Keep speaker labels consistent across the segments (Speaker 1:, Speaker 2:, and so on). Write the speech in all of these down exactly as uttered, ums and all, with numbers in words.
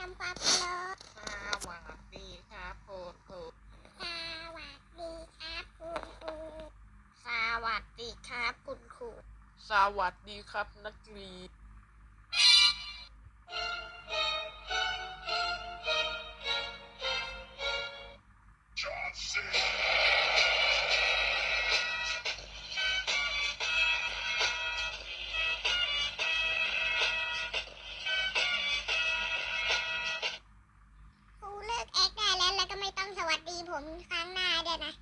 Speaker 1: ำความเคารพ
Speaker 2: สวัสดีครับคุณครู
Speaker 1: สวัสดีครับคุณครู
Speaker 2: สวัสดีครับคุณครูสวัสดีครับนักเรียน
Speaker 1: ครูเลิกแอคได้แล้วแล้วก็ไม่ต้องสวัสดีผมครั้งหน้าด้วยนะ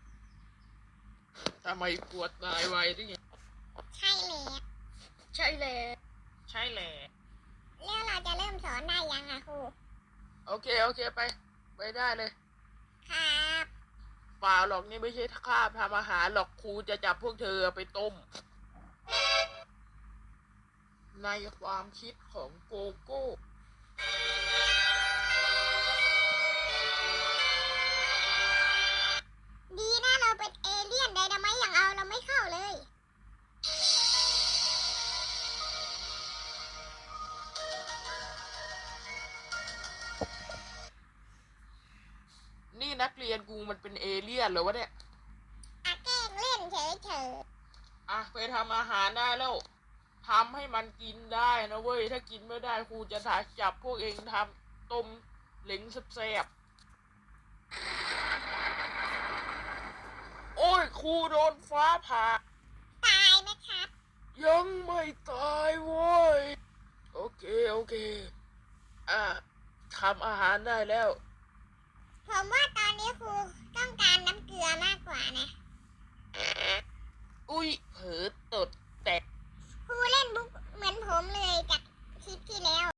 Speaker 2: ทำไมปวดตายไวดิ
Speaker 1: ใช่เลย
Speaker 2: ใช่แล้วใช่แล้ว
Speaker 1: แล้วเราจะเริ่มสอนได้ยังอะครู
Speaker 2: โอเคโอเคไปไปได้เลย
Speaker 1: ครับ
Speaker 2: เปล่าหรอกนี่ไม่ใช่คาบทำอาหารหรอกครูจะจับพวกเธอไปต้มในความคิดของโกโก้
Speaker 1: ดีนะเราเป็นเอเลี่ยนไดนาไมต์อย่างเอาเราไม่เข้าเลย
Speaker 2: นี่นักเรียนกูมันเป็นเอเลี่ยนเหรอวะเนี่ย
Speaker 1: อะแกล้งเล่นเฉย
Speaker 2: อ่ะไปทำอาหารได้แล้วทำให้มันกินได้นะเว้ยถ้ากินไม่ได้ครูจะถ่ายจับพวกเองทำต้มเหล็งแซ่บๆโอ้ยครูโดนฟ้าผ่า
Speaker 1: ๆตายไหมครับ
Speaker 2: ยังไม่ตายเว้ยโอเคโอเคอ่ะทำอาหารได้แล้ว
Speaker 1: ผมว่าตอนนี้ครูต้องการน้ำเกลือมากกว่านะ
Speaker 2: อุ้ยเผลอตดแตก
Speaker 1: ครูเล่นบุ๊กเหมือนผมเลยจาก